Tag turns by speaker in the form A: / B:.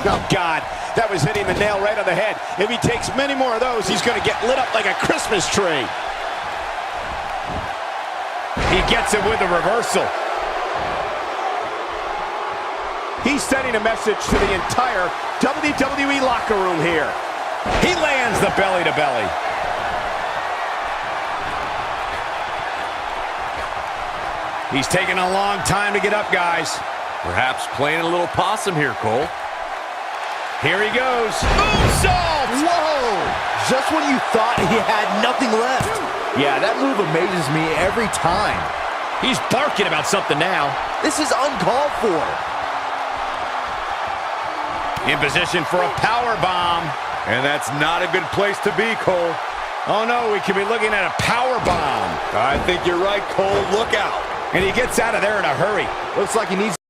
A: Oh, God, that was hitting the nail right on the head. If he takes many more of those, he's going to get lit up like a Christmas tree. He gets him with a reversal. He's sending a message to the entire WWE locker room here. He lands the belly-to-belly. He's taking a long time to get up, guys.
B: Perhaps playing a little possum here, Cole.
A: Here he goes. Moonsault!
C: Whoa! Just when you thought he had nothing left. Yeah, that move amazes me every time.
A: He's barking about something now.
C: This is uncalled for.
A: In position for a power bomb.
B: And that's not a good place to be, Cole.
A: Oh, no, we could be looking at a power bomb.
B: I think you're right, Cole. Look out.
A: And he gets out of there in a hurry.
C: Looks like he needs